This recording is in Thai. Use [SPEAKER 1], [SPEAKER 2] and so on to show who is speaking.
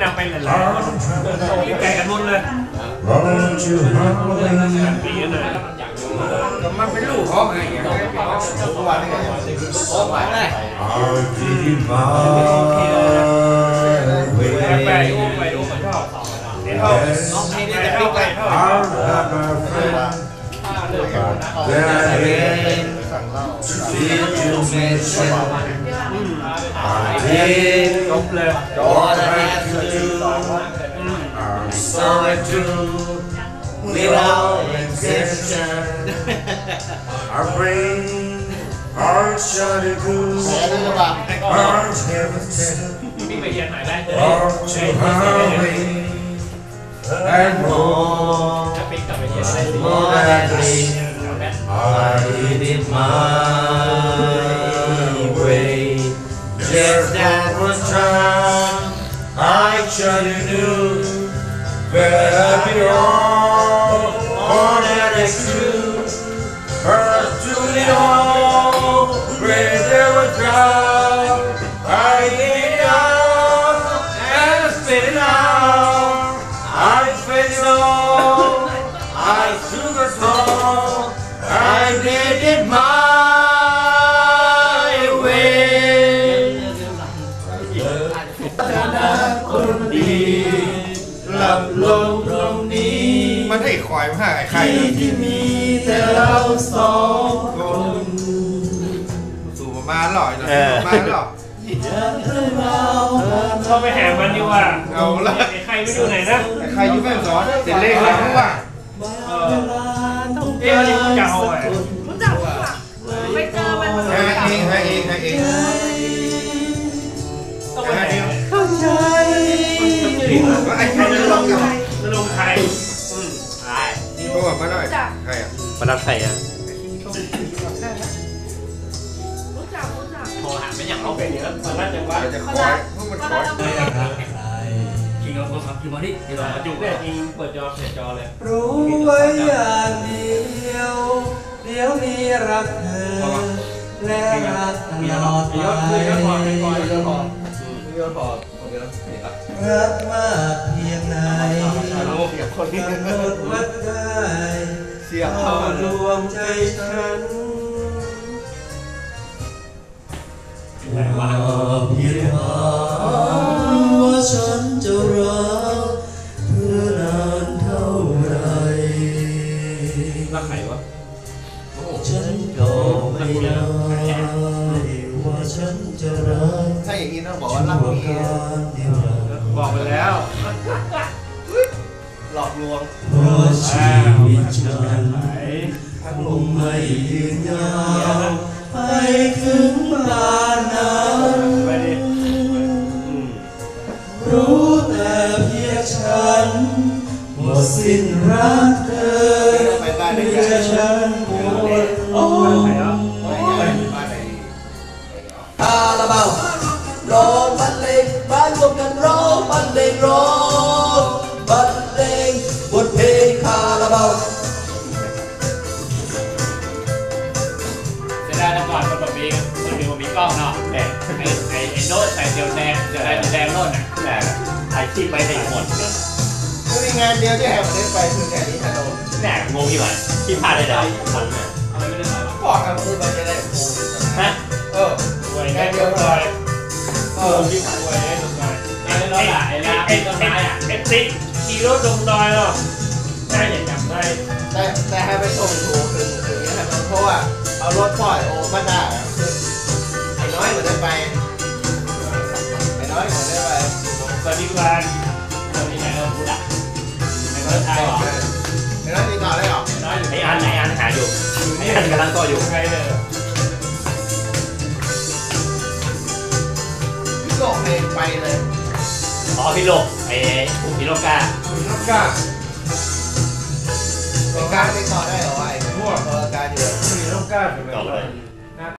[SPEAKER 1] นำไปหลายๆคนไก่กันหมดเลยปีนั้นเลยมันเป็นลูกเขาไงตัวนี่ไงโอ้ไปเลยไปดูมันชอบนี่เขาน้องนี่จะปิ้งไก่ทอดwithout exception, our brain, our shudder goose, our heaven to highway, and more than this, I did it my way. Just that one time, I shudder knew that I belong. All that is true, but to the all, where there was drought, I did it all, and I spit it out. I spit it all, I took it all, I did it my way. คนดีหลับลงตรงนี้มันให้คอยมาให้ใครที่มีแต่เราสองคนสู่มาหล่อยนะมาหล่อเขาไปแห่มันดีกว่าเอาละใครไม่ดูไหนนะใครอยู่แม่สอนเด็กเล็กเลยรู้ว่าเอ๊ะนี่รู้จักเขาไหมรู้จักค่ะไปเจอมันให้เองต้องไปแห่เข้าใจไอ้ใครจะลงไทยนี่พวกมาหน่อยใครอ่ะมาดับไทยอ่ะโทรหาไม่อย่างเขาเป็นเยอะมันน่าจะว่าจะคอยพวกมันคอยจริงเอาโทรศัพท์ที่มาดิเดี๋ยวจุกเนี่ยจริงเปิดจอเสียจอเลย
[SPEAKER 2] รู้ไว้อย่างเดียวมีรักเธอและรักตลอดไปรักมากเพียงไหนกำหนดวัดได้เข้าดวงใจฉันเพียงหาว่าฉันจะรักเธอนานเท่าไร
[SPEAKER 1] รักใครวะ
[SPEAKER 2] ฉันก็ไม่ได้ว่าฉันจะรัก
[SPEAKER 3] ถ้าอย่างนี้ต้องบอกว่ารักเมีย
[SPEAKER 1] บอกไปแล้ว
[SPEAKER 3] หลอกลวง
[SPEAKER 2] เพราะชีวิตฉันคงไม่ยืนยาวไปถึงบ้านนั้นรู้แต่เพียงฉันหมดสิ้นรักเธอเพื่อฉันปวดโอ้คาราบาวร้องบรรเลงบ้านรวมกันร้องบรรเลงร้องบรรเลงบทเพลงคาราบาว
[SPEAKER 1] เสียดายแต่ก่อนคนแบบนี้มันมีกล้องเนาะแต่ไอ้โน้ตใส่เดียวแดงโน้ตน่ะแต่ถ่ายคลิปไปให้หมด
[SPEAKER 3] ก็มีงานเดียวที่แฮมได้ไปคืองานนี้ฮัลโหล
[SPEAKER 1] แหน่งงที่ไหนที่พลาดได้ทำเนี่ยอะไรไม่ได้
[SPEAKER 3] บอกครับคือมันจะได้โอ้
[SPEAKER 1] ฮะไว้แค่เดียวเลยที่ผ่านไว้ได้ตรงไหนไอ้รถอะไอ้ต้นไม้อะไอ้ติ๊กขี่รถลงดอยหรอได้อย่างจำได้
[SPEAKER 3] แต่ให้ไปส่งถูกคืออย่างนี้ครับเพราะว่าเอารถปล่อยโอ้มาได้ไอ้น้อยเหมือนได้ไปไอ้น้อยเหมือนได้ไป
[SPEAKER 1] สวัสดีครับสวัสดีไหนเราพูดอ่ะไอ้น้อยไทยหรอ
[SPEAKER 3] ไอ้น้อยติดต่อได้หรอ
[SPEAKER 1] ไอ้อันหาอยู่ไอ้อันกำลังต่ออยู่ใครเลย
[SPEAKER 3] พี่โลกเพลงไปเลย
[SPEAKER 1] พี่โลกไอ้พี่โลกา
[SPEAKER 3] ไอ้การติดต่อได้หรอไอ้พวกการอยู่
[SPEAKER 1] พี่โลกาต่อเลย